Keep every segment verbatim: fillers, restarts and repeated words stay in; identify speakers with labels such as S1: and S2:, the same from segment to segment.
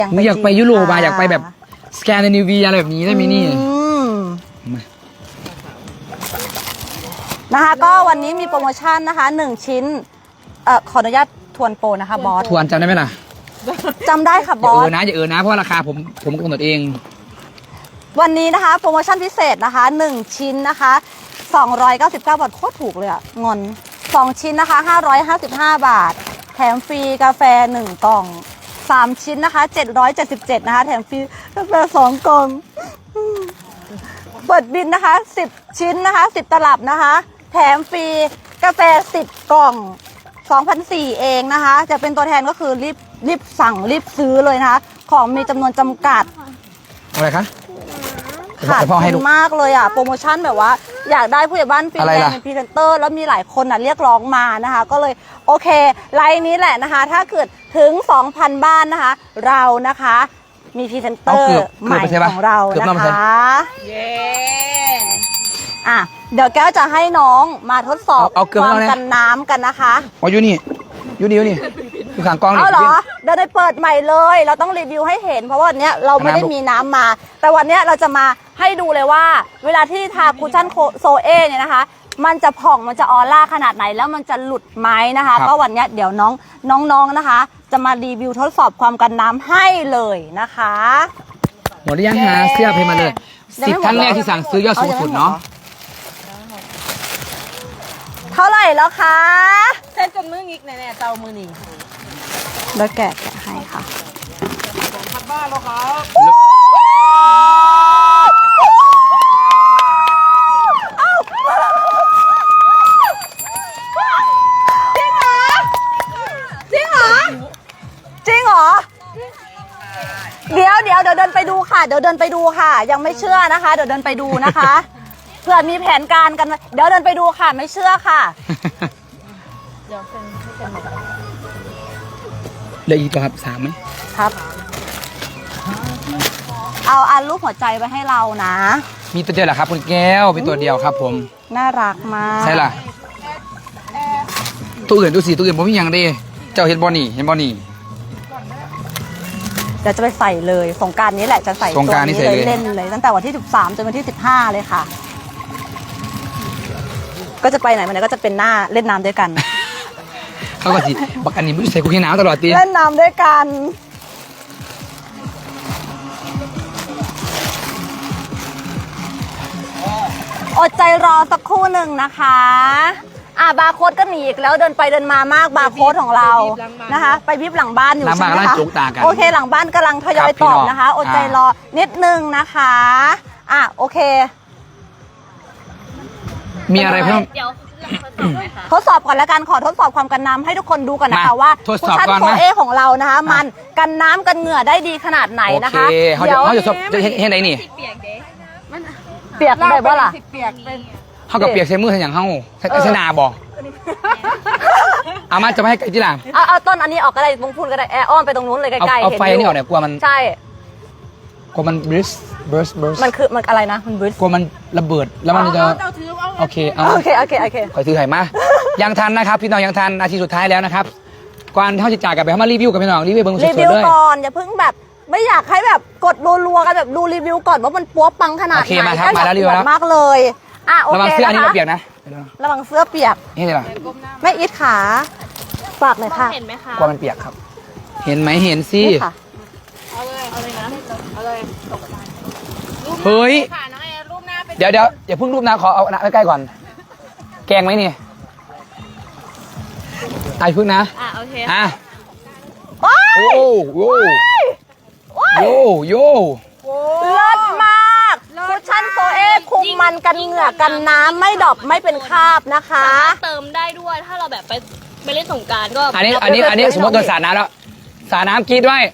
S1: หนูอยากไปยุโรปอะอยากไปแบบสแกนดิเนเวียอะไรแบบนี้ได้ไหมนี่
S2: นะคะก็วันนี้มีโปรโมชั่นนะคะหนึ่งชิ้นเอ่อขออนุญาตทวนโปรนะคะบอส
S1: ทวนจำได้ไหมล่ะ
S2: จำได้ค่ะบ
S1: อย่า
S2: อ
S1: เอ
S2: ส
S1: อนะอย่าเออนะเพราะราคาผมผมกำหนดเอง
S2: วันนี้นะคะโปรโมชั่นพิเศษนะคะหนึ่งชิ้นนะคะสองร้อยเก้าสิบเก้าบาทโคตรถูกเลยอะงอนสองชิ้นนะคะห้าร้อยห้าสิบห้าบาทแถมฟรีกาแฟหนึ่งกล่องสามชิ้นนะคะเจ็ดร้อยเจ็ดสิบเจ็ดนะคะแถมฟรีกาแฟสองกล่องเปิดบินนะคะสิบชิ้นนะคะสิบตลับนะคะแถมฟรีกาแฟสิบกล่อง สองพันสี่ร้อย เองนะคะจะเป็นตัวแทนก็คือรีบรีบสั่งรีบซื้อเลยนะคะของมีจำนวนจำกัด
S1: อะไรคะ
S2: ขาดทุนมากเลยอ่ะโปรโมชั่นแบบว่าอยากได้ผู้ใหญ่บ้านฟรีแลนซ์เป็นพรีเซนเตอร์แล้วมีหลายคนอ่ะเรียกร้องมานะคะก็เลยโอเคไลน์นี้แหละนะคะถ้าเกิดถึง สองพัน บ้านนะคะเรานะคะมีพรีเซนเตอร์ใหม่ของเรานะคะเย้อ่ะเดี๋ยวแก้วจะให้น้องมาทดสอบความกันน้ำกันนะคะ
S1: อ๋ออยู่นี่อยู่นี่อยู่นี่อยู่ข้างกล้องนี่
S2: เอาเหรอเดี๋ยวได้เปิดใหม่เลยเราต้องรีวิวให้เห็นเพราะว่าวันนี้เราไม่ได้มีน้ำมา แต่วันนี้เราจะมาให้ดูเลยว่าเวลาที่ทาคุชชั่นโซเอเนี่ยนะคะมันจะผ่องมันจะออร่าขนาดไหนแล้วมันจะหลุดไหมนะคะก็วันนี้เดี๋ยวน้องน้องๆนะคะจะมารีวิวทดสอบความกันน้ำให้เลยนะคะ
S1: หมดหรือยังหาเสื้อเพมาเลยสิบท่านแรกที่สั่งซื้อยอดสูงสุดเนาะ
S2: เท่าไหร่แล้วคะ
S3: เส้นจนมืองิกแน่ๆเตามือนี่
S2: แล้วแกะแกะให้ค่ะ
S3: สองพันบ้านแล้วครับ
S2: จริงเหรอจริงเหรอเดี๋ยวเดี๋ยวเดี๋ยวเดินไปดูค่ะเดี๋ยวเดินไปดูค่ะ ยังไม่เชื่อนะคะเดี๋ยวเดินไปดูนะคะเผื่อมีแผนการกันเดี๋ยวเดินไปดูค่ะไม่เชื่อค่ะ
S3: เดี๋ยวเซ็นให้เซ็นหมด
S1: เหลืออีกตัวครับสามไหม
S2: ครับเอาอันรูปหัวใจไว้ให้เรานะ
S1: มีตัวเดียวเหรอครับคุณแก้วเป็นตัวเดียวครับผม
S2: น่ารักมาก
S1: ใช่ล่ะตัวอื่นตัวสีตัวอื่นผมมีอย่างดีเจ้าเห็นบอนี่เห็นบอนี่
S2: เดี๋ยวจะไปใส่เลยสงกรานต์นี้แหละจะใส่
S1: สงกรานต์นี้เลย
S2: เล่นเลยตั้งแต่วันที่สิบสามจนวันที่สิบห้าเลยค่ะก็จะไปไหนมาไหนก็จะเป็นหน้าเล่นน้ำด้วยกัน
S1: เขาก็สิบักอันนี้ไม่ใส่กุ๊กน้ำตลอดตี
S2: เล่นน้ำด้วยกันอดใจรอสักครู่หนึ่งนะคะอ่ะบาร์โค้ดก็หนีอีกแล้วเดินไปเดินมามากบาร์โค้ดของเรานะคะไปบิบหลังบ้านอยู่ใช่ไหมคะโอเคหลังบ้านกำลังทยอยตอบนะคะอดใจรอนิดนึงนะคะอ่ะโอเค
S1: มีอะไรเพิ่ม
S2: ทดสอบก่อนแล้วกันขอทดสอบความกันน้ำให้ทุกคนดูก่อนนะคะว่าคุชชั่นโฟเอของเรานะคะมันกันน้ำกันเหงื่อได้ดีขนาดไหนนะคะ
S1: เดี๋ยวเขาจะจะเห็นไหนนี่
S2: เปียกได้บ่ล่ะ
S3: เปียกเป็น
S1: เขากับเปียกใช้มือใช้อย่างเขาใช้นาบอกเอามาจะไม่ให้ไกลที่หลัง
S2: เอาเอาต้นอันนี้ออกก็ได้มุงพูนก็ได้แอร์อ้อมไปตรงนู้นเลยใกล้ๆ
S1: เอาไฟนี่ออกเนี่ยกลัวมัน
S2: ใช่
S1: กลัวมันบริสบริสบริส
S2: มันคือมันอะไรนะมันบริส
S1: กลัวมันระเบิดแล้วมันจะโอเคเอา
S2: โอเคโอเคโอเค
S1: คอยซื้อไข่มายังทันนะครับพี่น้องยังทันนาทีสุดท้ายแล้วนะครับก่อนเท่าจะจากกันไปเขามารีวิวกับพี่น้องรีวิวเบิ้งสดๆเลย
S2: รีวิวก่อนอย่าเพิ่งแบบไม่อยากให้แบบกดรัวๆกันแบบดูรีวิวก่อนว่ามันปัวปังขนาดไหน
S1: โอเคมาครับมาแล้วรีวิวแล้ว
S2: มากเลยอ่ะโอเค
S1: ระวังเสื้ออันนี้เปียกนะ
S2: ระวังเสื้อเปียก
S1: นี่เลยล่ะ
S2: แม่อิทขาฝากหน่อยค่ะ
S3: เห็นไหมคะ
S1: กลัวมันเปียกครับเห็นไหมเห็นสิ
S3: เอาเลยเอาเลยนะเอาเลย
S1: เฮ้ยเดี๋ยวเดี๋ยวอย่าเพิ่งรูปนะขอเอาหน้าใกล้ๆก่อนแกงไหมนี่ไอ้พึ่งนะ
S3: อ่ะโอเค
S1: อ่ะโอ้โหโยโย
S2: เลิศมากคุชชั่นโซเอคุมมันกันเหงื่อกันน้ำไม่ดรอปไม่เป็นคราบนะคะ
S3: เติมได้ด้วยถ้าเราแบบไปไปเล่นสงกรานต์ก็
S1: อันนี้อันนี้อันนี้สมมติโดนสาดน้ำแล้วสาดน้ำกรีดด้วย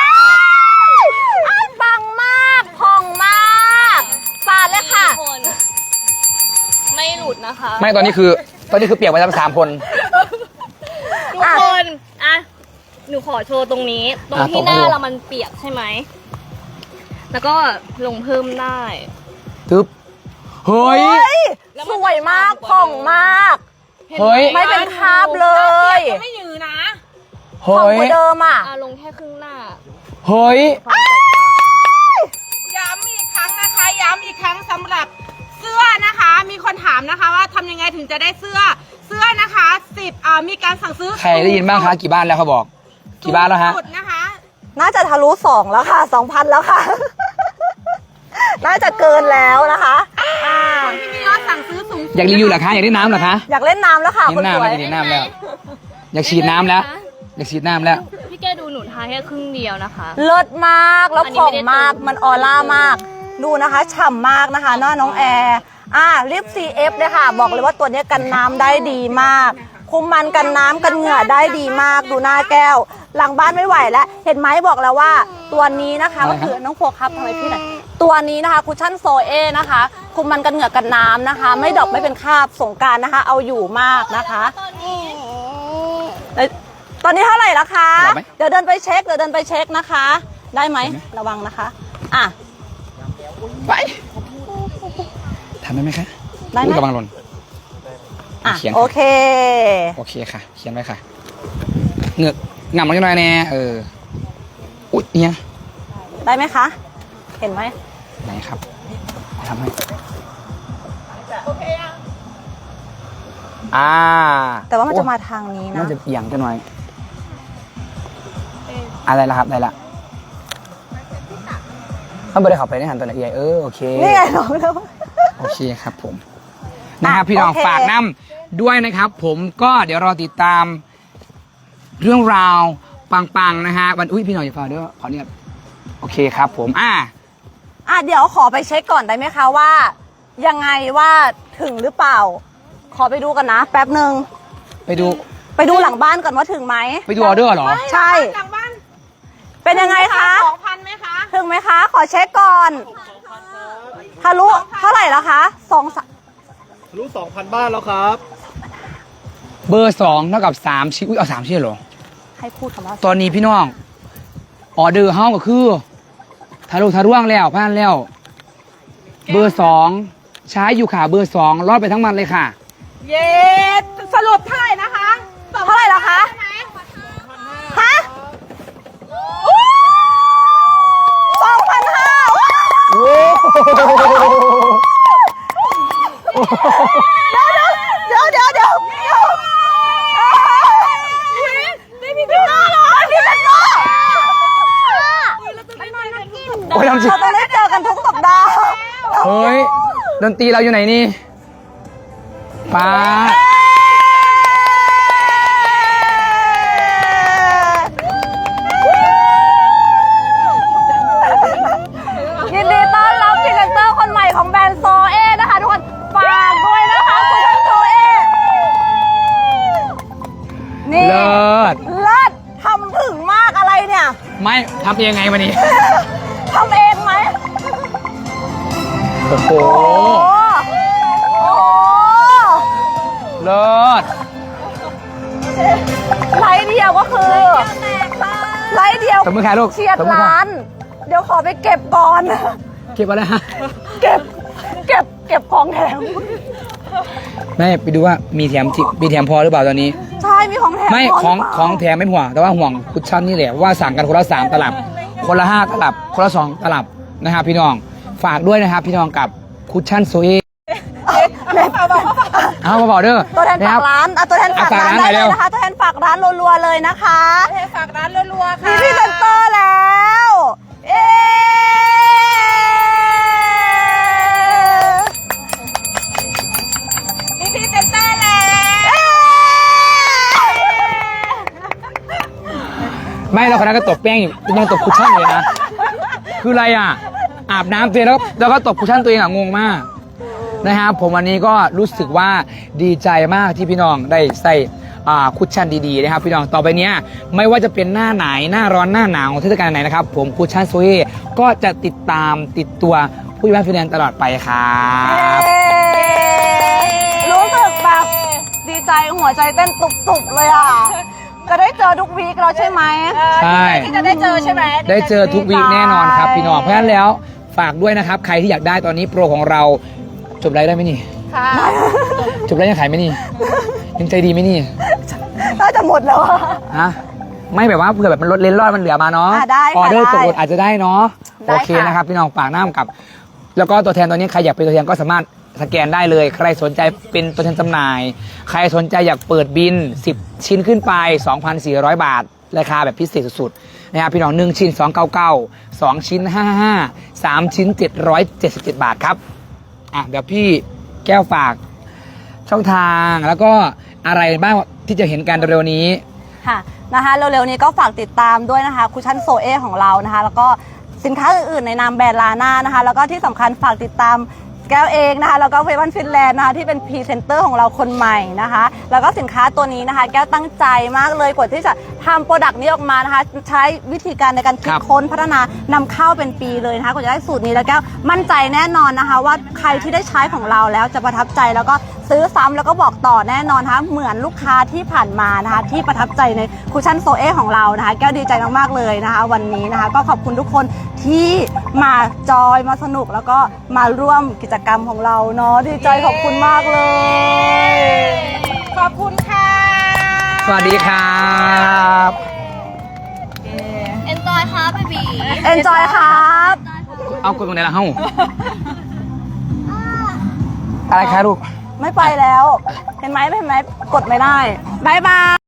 S2: ปังมากพองมากสาดเลยค่ะ
S3: ไม่หลุดนะคะ
S1: ไม่ตอนนี้คือตอนนี้คือเปียกไปทั้งสามคน
S3: ทุกคนอ่ะหนูขอโชว์ตรงนี้ตรงที่หน้าเรามันเปียกใช่ไหมแล้วก็ลงเพิ่มได้
S1: ตึ๊บเฮ้ย
S2: สวยมากผ่องมาก
S1: เฮ้ย
S2: ไม่เป็นคราบเลย
S3: ไม่ยืนนะ
S2: ผ่องกว่าเดิมอ่ะ
S3: ลงแค่ครึ่งหน้า
S1: เฮ้ย
S4: ย้ำอีกครั้งนะคะย้ำอีกครั้งสำหรับเสื้อนะคะ มีคนถามนะคะว่าทำยังไงถึงจะได้เสื้อเสื้อนะคะสิบอ่ามีการสั่งซื้อ
S1: ใครได้ยินบ้างคะกี่บ้านแล้วเขาบอก กี่บ้านแล้วฮะ
S4: สุดนะคะ
S2: น่าจะทะลุสองแล้วค่ะสองพันแล้วค่ะ น่าจะเกินแล้วนะคะอ่า
S4: คนที่มียอดสั่งซื้อสูงสุด
S1: อยากรีวิวเหรอคะอยากได้น้ำเหรอคะ
S2: อยากเล่นน้ำแล้วค่ะ
S1: เห็
S2: คน
S1: นน้ำ
S2: สว
S1: แล้ว
S2: ย
S1: อยากเห็นน้ำแล้ว อยากฉีดน้ำแล้ว อยากฉีดน้ำแล้ว
S3: พี่แกดูหนูทาแค่ครึ่งเดียวนะคะ
S2: เลิศมากแล้ว
S3: อันนี้
S2: ผ่อง
S3: ไม่ได้
S2: มาก
S3: เติม
S2: มันออร่ามาก ดูนะคะฉ่ำมากนะคะหน้าน้องแอร์อ่าลิป ซี เอฟ เลยค่ะ บอกเลยว่าตัวนี้กันน้ำได้ดีมาก คุมมันกันน้ำกันเหงื่อได้ดีมาก ดูหน้าแก้ว หลังบ้านไม่ไหวแล้ว เห็นไหมบอกแล้วว่าตัวนี้นะคะ
S1: อะไร
S2: ก็
S1: ครับ
S2: คือน้องโฟครับทำไมพี่หน่อยตัวนี้นะคะคุชชั่นโซเอนะคะ คุมมันกันเหงื่อกันน้ำนะคะ ไม่ดอกไม่เป็นคราบสงกรารนะคะ เอาอยู่มากนะคะเอ้ยตอนนี้เท่าไหร่ละคะ
S1: บอกไหม
S2: เดี๋ยวเดินไปเช็คเดี๋ยวเดินไปเช็คนะคะ ได้ไหมระวังนะคะอ่ะ
S1: ไปทำได้ไหมคะ
S2: ได้ไหม
S1: อุ๊ยระวังหล่น
S2: อ่ะ
S1: เขียน
S2: โอเค
S1: โอเคค่ะ เขียนไว้ค่ะ เหงือกงำลงหน่อยแน่เออ อุ๊ยเนี่ย
S2: ได้ไหมคะ เห็นไหม
S1: ไหนครับทำให้อ่า
S2: แต่ว่ามันจะ
S1: โอ้
S2: มาทางนี้
S1: น่า
S2: นะ
S1: จะเอียงกันหน่อยอะไรละครับได้ละเขาไม่ได้เขับไปในหันตัวไหนเอียเออโอเค
S2: นี่ไงน้องแล้ว
S1: โอเคครับผมนะครับพี่น้อง
S2: โอเค
S1: ฝากน้ำด้วยนะครับ ผมก็เดี๋ยวรอติดตามเรื่องราวปังๆนะฮะวันอุ้ยพี่น้องอย่าฟังด้วยขอเนี่ยโอเคครับผมอ่า
S2: อ่ะเดี๋ยวขอไปเช็คก่อนได้ไหมคะว่า ยังไงว่าถึงหรือเปล่า ขอไปดูกันนะ แป๊บหนึ่ง
S1: ไปดู
S2: ไปดูหลังบ้านก่อนว่าถึงไหม
S1: ไปดูออเดอร์เหรอ
S2: ใช่
S4: หลังบ้าน
S2: เป็นยังไงคะ
S4: สองพันไหมคะ
S2: ถึงไหมคะ ขอเช็คก่อนทะลุเท่าไหร่แล้วคะสองสาม
S5: ทะลุสองพันบ้านแล้วครับ
S1: เบอร์สองเท่ากับสามชิ้นอุ้ยเอาสามชิ้นเหรอ
S2: ให้พูดคำว่า
S1: ตอนนี้พี่น้องออเดอร์เฮาก็คือทะลุทะลวงแล้วผ่านแล้ว เบอร์สองใช้อยู่ค่ะเบอร์สองรอดไปทั้งมันเลยค่ะ
S4: เย็ดสรุปเท่าไหร่นะคะ
S2: เท่าไหร่แล้วคะ
S4: ใช่ไหม
S2: ฮะสองพันห้า
S1: โอ้
S2: เดี๋ยวเดี๋ยวเดี๋ยวเดี๋ยวได้พี่เต้เหรอพี่เต้
S1: โอ้ยทำจริง
S2: เราต้องได้เจอกันทุกสัปดาห์
S1: เฮ้ยดนตรีเราอยู่ไหนนี่ป้า
S2: ยินดีต้อนรับพรีเซนเตอร์คนใหม่ของแบรนด์โซเอนะคะทุกคนฝากด้วยนะคะคุณท่านโซเอนี่
S1: เลิศ
S2: เลิศทำถึงมากอะไรเนี่ย
S1: ไม่ทำยังไงวันนี้
S2: ทำเองไหม
S1: โอ้โห
S2: โอ้โห
S1: เลิศ
S2: ไลฟ์เดียวก็คือไลฟ์เดียว
S1: ตบมือค่ะลูก
S2: เฉียด
S1: ตบมือค่ะ
S2: ล้าน เดี๋ยวขอไปเก็บก่อน
S1: เก็บอะไรฮะ
S2: เก็บ เก็บ เก็บของแถม
S1: แม่ไปดูว่ามีแถมจิมีแถมพอหรือเปล่าตอนนี้
S2: ใช่ มีของแถม
S1: ไม่
S2: พ
S1: ของ
S2: หรืเปล่า
S1: ของแถมไม่ห่วงแต่ว่าห่วงคุชชั่นนี่แหละว่าสั่งกันคนละสามตลับ คนละห้าตลับ คนละสองตลับนะครับพี่น้องฝากด้วยนะครับพี่น้องกับคุชชั่นโซเอ
S2: แม่ฝากบอก
S1: เอามาบอกเด้อ
S2: ตัวแทน
S1: นะค
S2: ฝา
S1: รับ
S2: กร้านอ่ะตัวแทนฝากร้าน
S1: อ่ะฝากร้านหน่
S2: ได้
S1: อย
S2: เล
S1: เร็
S2: ยว นะคะ ตัวแทนฝากร้านรัวๆเลยนะคะ
S4: ฝากร้านรัวๆ
S2: มี
S4: ค่ะ
S2: พรีเซนเตอร์แล้วเอ๊ะ
S4: มีพรีเซนเตอร์แล้ว
S1: ไม่เราคนนั้นก็ตบแป้งอยู่ยังตบคุชชั่นเลยนะคืออะไรอ่ะอาบน้ำตัวเองแล้วแล้วก็ตบคุชชั่นตัวเองอ่ะงงมากนะครับผมวันนี้ก็รู้สึกว่าดีใจมากที่พี่น้องได้ใส่อ่าคุชชั่นดีๆนะครับพี่น้องต่อไปเนี้ยไม่ว่าจะเป็นหน้าไหนหน้าร้อนหน้าหนาวเทศกาลไหนนะครับผมคุชชั่นโซเอก็จะติดตามติดตัวผู้ใหญ่บ้านฟินแลนด์ตลอดไปครับ
S2: รู้สึกแบบดีใจหัวใจเต้นตุบๆเลยอ่ะ จะได้เจอทุกวีคเราใช่ไหม
S1: ใช่
S4: ที่จะได้เจอใช่ไหม
S1: ได้เจอทุกวีคแน่นอนครับพี่น้องเพราะฉะนั้นแล้วฝากด้วยนะครับใครที่อยากได้ตอนนี้โปรของเราจบไลฟ์ได้ไหมนี่
S4: ค่ะ
S1: จบไลฟ์ยังขายไหมนี่ยังใจดีไหมนี่
S2: น่าจะหมดแล้วอะ
S1: ฮะไม่แบบว่าเผื่อแบบมันลดเลนรอดมันเหลือมาเนาะ
S2: อ่ะได้ค่ะ
S1: ออเดอร์
S2: ได้
S1: ตกหล่นอาจจะได้เนาะ
S2: ได้
S1: โอเค
S2: ค่ะ
S1: นะครับพี่น้องฝากน้ำกับ แล้วก็ตัวแทนตัวนี้ใครอยากเป็นตัวแทนก็สามารถสแกนได้เลย ใครสนใจเป็นตัวแทนจำหน่าย ใครสนใจอยากเปิดบินสิบชิ้นขึ้นไป สองพันสี่ร้อย บาท ราคาแบบพิเศษสุดๆนะครับพี่น้องหนึ่งชิ้นสองร้อยเก้าสิบเก้า สองชิ้นห้าสิบห้า สามชิ้นเจ็ดร้อยเจ็ดสิบเจ็ดบาทครับอ่ะเดี๋ยวพี่แก้วฝากช่องทางแล้วก็อะไรบ้างที่จะเห็นกันเร็วๆนี้
S2: ค่ะนะคะเร็วๆนี้ก็ฝากติดตามด้วยนะคะคุชชั่นโซเอของเรานะคะแล้วก็สินค้าอื่นๆในนามแบรนด์ลาน่านะคะแล้วก็ที่สำคัญฝากติดตามแก้วเองนะคะแล้วก็เววันฟินแลนด์นะคะที่เป็นพรีเซนเตอร์ของเราคนใหม่นะคะแล้วก็สินค้าตัวนี้นะคะแก้วตั้งใจมากเลยกว่าที่จะทำโปรดักต์นี้ออกมานะคะใช้วิธีการในการคิ
S1: ค
S2: ด
S1: รับ
S2: ค้นพัฒนานำเข้าเป็นปีเลยนะคะกว่าจะได้สูตรนี้แล้วแก้วมั่นใจแน่นอนนะคะว่าใครที่ได้ใช้ของเราแล้วจะประทับใจแล้วก็ซื้อซ้ำแล้วก็บอกต่อแน่นอนนะคะเหมือนลูกค้าที่ผ่านมานะคะที่ประทับใจในคุชชั่นโซเอของเรานะคะแก้วดีใจมากๆเลยนะคะวันนี้นะคะก็ขอบคุณทุกคนที่มาจอยมาสนุกแล้วก็มาร่วมกิจกรรมของเราเนาะดีใจขอบคุณมากเลย
S4: ขอบคุณค่ะ
S1: สวัสดีครับ
S3: เอนจอยครับเบบี
S2: เอนจอยครับ
S1: เอากดตรงไหนล่ะเฮ้าอะไรคะลูก
S2: ไม่ไปแล้ว เห็นไหมเห็นไหมกดไม่ได้บายบาย